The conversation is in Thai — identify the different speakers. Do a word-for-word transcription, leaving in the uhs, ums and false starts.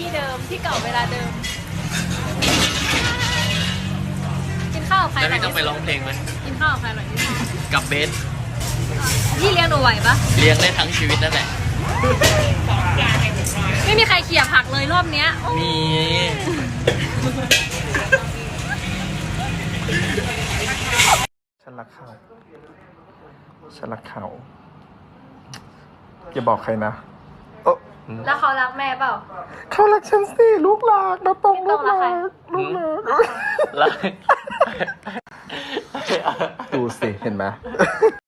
Speaker 1: ที่เดิมที่เก่าเวลาเดิมกินข้าวกับใคร
Speaker 2: แล้วพี่ต้องไปร้องเพลงไหม
Speaker 1: กินข้าวกับใครอร่อยที่สุด
Speaker 2: กับเบส
Speaker 1: พี่เลี้ยงหนูไหวปะ
Speaker 2: เลี้ยงได้ทั้งชีวิตนั่นแหละ
Speaker 1: ไม่มีใครเขี่ยผักเลยรอบเนี้ยโอ้
Speaker 2: มี
Speaker 3: ฉันรักเขาฉันรักเขาอย่าบอกใครนะเออ
Speaker 1: แล้วเขารักแม่เปล่า
Speaker 3: เขารักฉันสิลูกหลานนะตรงลูกหลาน
Speaker 1: ลู
Speaker 3: ลู
Speaker 1: ก
Speaker 3: ก
Speaker 1: ห
Speaker 3: ห
Speaker 1: ลา
Speaker 3: ลาน นดูสิ เห็นไหม